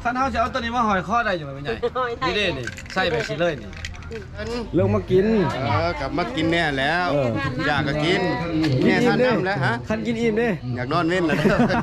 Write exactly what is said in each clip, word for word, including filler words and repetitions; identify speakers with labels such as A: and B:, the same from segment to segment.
A: คันเฮาจะเอาตัวนี้มาหอยคอได้อยู่มั้ยใหญ่นี่เด้นี่ใส่ไปสิเลยนี่เรื่องมากิน
B: เออกลับมากินแน่แล้วอยากก็กินแน่ท่านน้ำแล้วฮะ
A: คันกินอิ่มเด้
B: อยากนอนเว้นแล้ว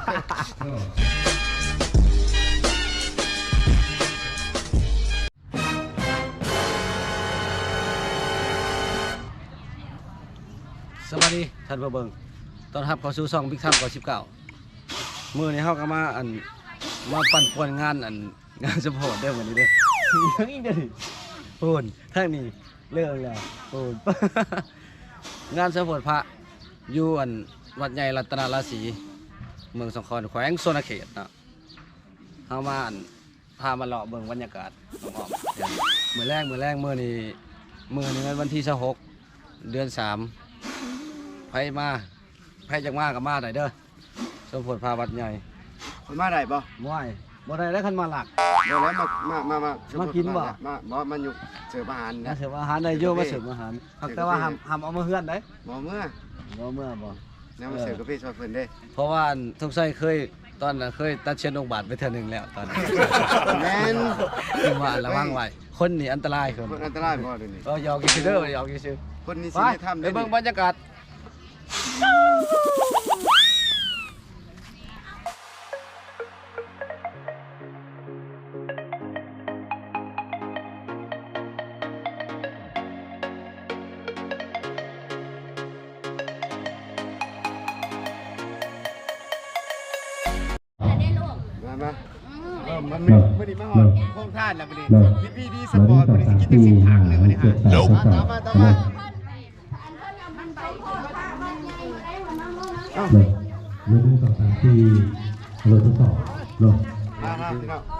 A: สวัสดีท่านผู้เบิ่งตอนรับเข้าสู่ช่อง Big Time ก่อนสิบเก้ามื้อนี้เฮาก็มาอันมาปั่นป่วนงานอันงานสปอร์ตได้มื้อนี้เด้อยังอีกเด้อโอนทางนี้เริ่มแล้วโอนงานสปอร์ตพระอยู่อันวัดใหญ่รัตนราศีเมืองสงขลาแขวงโซนเขตเนาะเฮามาอันพามาเลาะเบิ่งบรรยากาศอ้อมๆมื้อแรกมื้อแรกมื้อนี้มื้อนี้วันที่ยี่สิบหกเดือนสามไผมาไผจังมากับมาได้เด้อสมโพธิพาวัดใหญ่
B: คนมาได้บ่
A: บ่ได้บ่ได้แล้วคันมาหลัก
B: เดี๋ยวแล้วมามามามา
A: มากินบ่
B: มาบ่มาอยู่เสิร์ฟอาหารนะ
A: เสิร์ฟอาหารได้อยู่มาเสิร์ฟอาหารแต่ว่าห้ามห้ามเอามาเฮือนได้
B: บ่เมื่อ
A: บ่เมื่อบ่
B: แนวมาเสิร์ฟกาแฟซอยเพิ่นเด้
A: เพราะว่าทุกไสเคยตอนน่ะเคยตัดเชื้อโรคบาดไปเทื่อนึงแล้วตอนนั้น
B: แม่น
A: คือว่าระวังไว้คนนี่อันตรายคน
B: คนอันตรายบ่เดี๋ยวนี้
A: ก็ยอกกินเด้อยอกกินซื่อ
B: คนนี้สิได้ทำ
A: ไปเบิ่งบรรยากาศ
B: มามาเออมันไม่ไม่ได้มาหอดโค้งท่านแล้วมันนี่พี่พี่ดีสปอร์ตมันนี่กินจังสิถังเลยมันนี่ฮะตามมาตามมา
C: เนาะหนึ่งสองสามสี่เราทดสอบเนาะ
B: มามาพี่น้อง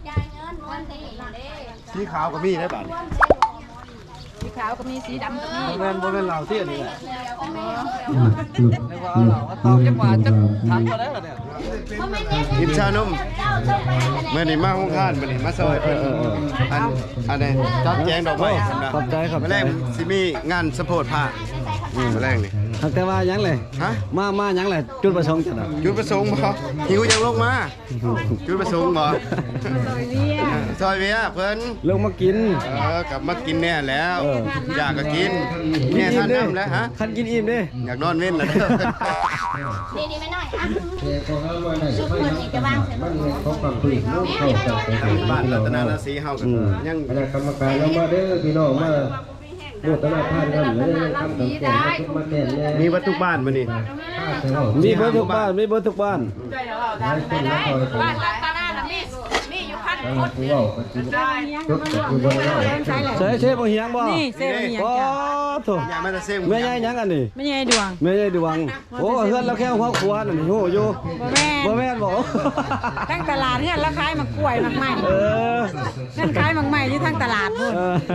B: สีขาวก็มีได้ป่ะ
D: สีขาวก็มีสีดำก็มี
A: บ่แม่นบ่แม่นเหล้าที่อันนี้แหละ
C: จุด
A: นึกว่าเหล้าก็ตอกจักว่าจักถังบ่ได้ล่ะเนี่ย
B: กินชานมเมื่อนี่มาห้องท่านมื่อนี่มาซอยเพิ่นอันอันนี้จัดแจงดอกไม้
A: ขอบใจครับ
B: มื้อแรกสิมีงานสปอร์ตผ้ามื้อแรกนี่
A: แต่ว่ายังเลย
B: ฮะ
A: มามายังเลยจุดประสงค์จังได๋
B: จุดประสงค์บ่หิวยังลงมาจุดประสงค์บ่ซอยเวียเพิ่น
A: ลงมากิน
B: เออกลับมากินแน่แล้วอยากก็กินแน่ท่านน้ำแล้วฮะ
A: คันกินอิ่มเด้
B: อยากนอนเว้นแล้ว
D: ดีๆไปหน่อยอ่ะชุดเหมือนอีกจะวางเสร็จแล้ว
C: เขาฟังคุยลูกเข้าใจกัน
B: บ้านรัตนราศีเฮากันยัง
C: คณะกรรมการเรามาเด้อพี่น้องมาโมทนาท่านกันเลยทำสังเกตมาแก่แน่
B: มีวัตถุบ้านมื้อนี้
A: มีเบิดทุกบ้านมีเบิดทุกบ้าน
D: บ้านตาหน้ามีมีอยู่พันคน
C: ผู้ว่าจุดจุดบนเรา
A: ใช่เชฟบ่เฮียงบ่
D: นี่เซฟบ่เฮียงจ้ะ
A: โธ่
B: อย่ามาตะเซม
A: แม่ใหญ่หยังอันนี้
D: แม่ใหญ่ดวง
A: แม่ใหญ่ดวงโอ้เฮือนเราแค่หัวครัวนั่นนี่โหอยู่
D: บ่แม่น
A: บ่แม่นบ่
D: ทั้งตลาดเฮือนแล้วขายมะกล้วยมะใหม่
A: เออ
D: นั่นขายมะใหม่อยู่ทั้งตลาดพุ่น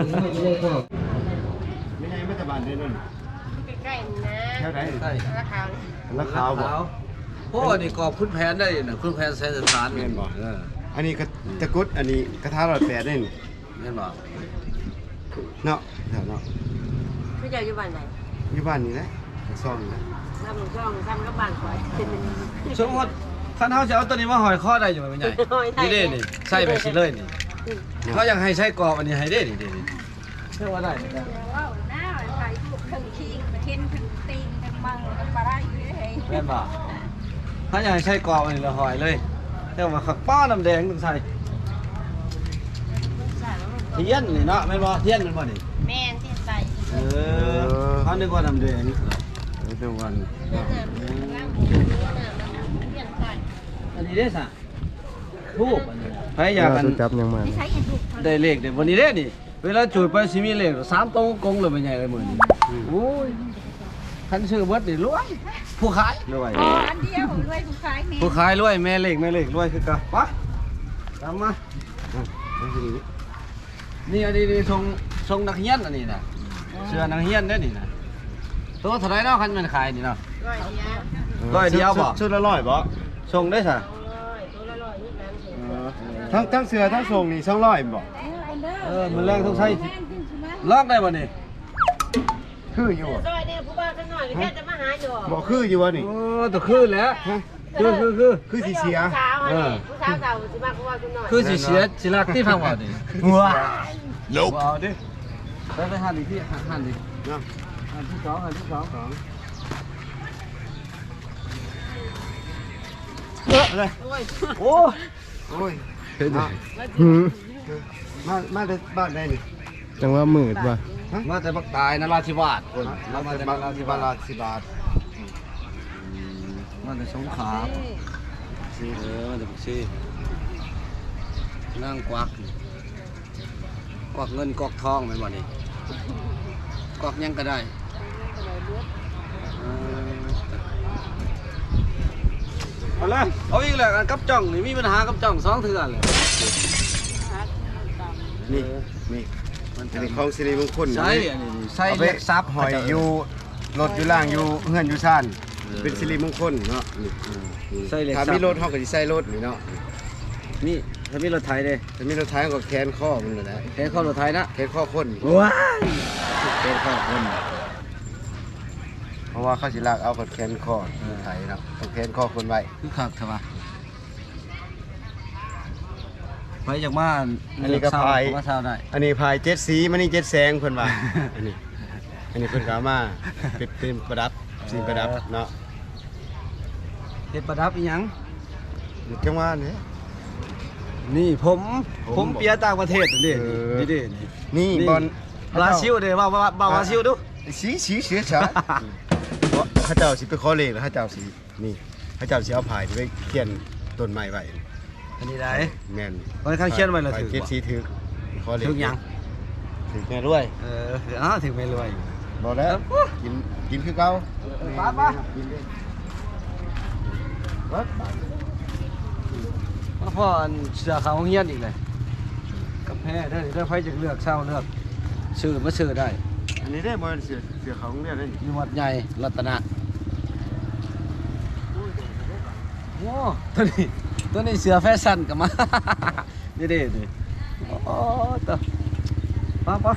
B: ไม่ใช่ไม่ตะบานได้นั่น
D: ใกล้ๆนะ
B: แถวไหนใช่
D: ราคา
B: ราคาบ่
A: โอ้นี่กอบคุณแผนได้น่ะคุณแผนใช้สถาน
B: แม่นบ่เอออันนี้ก็ตะกุดอันนี้กระทะร้อยแปดได้นี่
A: แม่นบ่
B: เนาะแถวเนาะ
D: พี่เจ้าอยู่บ้านไหน
B: อยู่บ้านนี่แหละซ่อมนี่นะ
D: น้ำช่องซ้ำกับบ้านข่อย
A: สมมุติคันเฮาจะเอาตัวนี้มาหอยคอได้อยู่มั้ยใหญ่นี่เด้นี่ใส่ไปสิเลยนี่เขาอยากให้ใช้กรอบอันนี้ให้เด้นี่เด้นี่เชื่อว่าได้
D: ว้าวหน้าไปทุกทั้งขี้เห็นทั้งตีนทั้งมังทั้งปลาไหลเฮ้ย
A: แม่นบ่ถ้าอยากให้ใช้กรอบอันนี้ละหอยเลยแต่ว่าขักป้าน้ำแดงต้องใส่เทียนนี่เนาะแม่นบ่เทียนแม่นบ่นี่
D: แม่นที่ใส่
A: เออเขานึกว่าน้ำแดงเดี๋ยววันอันนี้ได้ซะทูบอันนี้ใครอยากกัน
B: จับยังมา
A: ได้เลขเด้วันนี้เด้นี่เวลาจุดไปสิมีเลขสามตรงกงเลยเป็นใหญ่เลยมื้อนี้โอ้ยคันชื่อเบิดนี่รวยผู้ขายรวย
D: อ๋ออันเดียวรวยผู้ขายแม่
A: ผู้ขายรวยแม่เลขแม่เลขรวยคือกันไปตามมานี่อันนี้นี่ทรงทรงนักเรียนอันนี้น่ะเสื้อนักเรียนเด้นี่น่ะตัวเท่าไหร่เนาะคันมันขายนี่เนาะร้อยเดียวบ่
B: ชุดละร้อยบ่
A: ทรงได้ซะ
B: ทั้งทั้งเสื้อทั้งทรงนี่สองร้อยบ่
A: เออมันแรงต้องใช้ลอกได้บ่นี่
B: คืออยู่
D: ซอยเนี่ยผู้บ้านข้างนอกแค่จะมาหาอยู่
B: บ่คืออยู่วะนี่
A: โอ้ตัวคือแล้วคือคือคือ
B: คือสิเสีย
E: ผู้สาวอันนี้ผู้สาวเก่าสิมากกว่าคุณหน่อย
A: คือสิเสียสิรักที่พังว่าดิ
B: ว้า
A: เอาดิไปไปหันดิพี่หันดิ
B: เนาะ
A: หันที่สองหันที่สอง
B: สองเอออะไร
A: โอ้
B: โอ้ย
A: เห็นดิ
B: มามาได้บ้านได้นี่
C: จังว่ามืดว่ะ
A: มาแต่บักตายนราธิวาส
B: มามาแต่บ้านที่บ้านละสิบบาท
A: มาแต่สงขลาเออมาแต่บักซีนั่งกวักนี่กวักเงินกวักทองแม่นบ่นี่กวักหยังก็ได้เออเอาเลยเอาอีกแล้วกันกับจ่องนี่มีปัญหากับจ่องสองเทื่อเลย
B: นี่นี่อันนี้ของสิริมงคล
A: ใช่อันนี้ใช่
B: เอาไป
A: เรียกทรัพย์
B: หอยอยู่รถอยู่ล่างอยู่เฮือนอยู่ซ่านเป็นสิริมงคลเนาะนี่
A: ใช่เรียก
B: ถ้า
A: ทรัพ
B: มี
A: ย์
B: รถเฮาก็สิใส่รถนี่เนาะ
A: นี่ถ้ามีรถไถเด้
B: ถ้ามีรถท้ายก็แขนข้อมันนั่นแหละ
A: แค่เข้ารถไถนะ
B: แขนข้อคน
A: ว้ายแค่เข้าคน
B: เพราะว่าเขาสิลากเอากับแขนข้อไถเนาะต้องแขนข้อคนไว้
A: คือคักเถอะวะไปจากมา
B: อันนี้ก็พาย
A: ว่าเช้าได้
B: อันนี้พายเจ็ดสีมันนี่เจ็ดแสงเพิ่นว่า อันนี้ อันนี้เพิ่นก็เอามาเป็นเป็นประดับสิ่งประดับเนาะ
A: เฮ็ดประดับอีหยัง
B: จังหวะนี้
A: นี่ผม
B: ผม
A: ผมเปียต่างประเทศนี่
B: เออ
A: นี่ดินี่
B: นี่บอล
A: บราซิลเด้ว่าว่าว่าบราซิลดู
B: สีสีเสือฉาเพราะเขาเจ้าสิไปขอเลขแล้วเขาเจ้าสินี่เขาเจ้าสิเอาพายไปเขียนต้นไม้ไว้
A: อันนี้ได้
B: แม่น
A: ตอนนข้างเขียนไว้แล้ว
B: พาย
A: ถือ
B: เจ็ด
A: บ่
B: สีถือขอเลข
A: ถึงหยัง
B: ถือแม่รวย
A: เอออ้าวถึงไม่รวย
B: บอกแล้วกินกินคือเก่า
A: ป้าป้า
B: กินเลย
A: มาพ่ออันเสือขาวเฮียนอีกเลยกับแพ้เด้อเด้อไผจะเลือกเช่าเลือกซื้อมาซื้อได้
B: อันนี้ได้บอลเสือเสือเขาโรงเรียนได้นี่
A: อยู่วัดใหญ่รัตนะโอ้ตัวนี้ตัวนี้เสือแฟชั่นกับมา นี่เด้นี่โอ้ตัวป้าป้า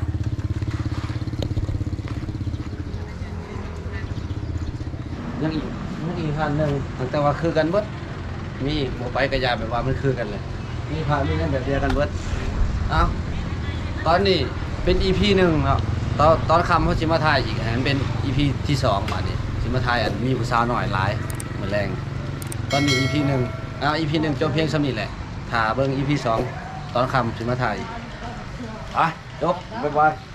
A: ยังอีกยังอีกพันหนึ่งแต่ว่าคือกันเบิดมีอีกบ่ไปกระยาแบบว่ามันคือกันเลย มีพามีนั่นแบบเดียวกันเบิดเอ้าตอนนี้เป็น อี พี หนึ่งครับตอนตอนคำเขาชิมาทายอีกอันนั้นเป็น อี พี ที่สองมาดิชิมาทายอันมีผู้สาวหน่อยหลายเหมือนแรงตอนนี้ อี พี หนึ่งอ้าว อี พี หนึ่งจบเพียงสำนี้แหละถ่าเบิ่ง อี พี สองตอนคำชิมาทายอีกอ่ะจบบ๊ายบาย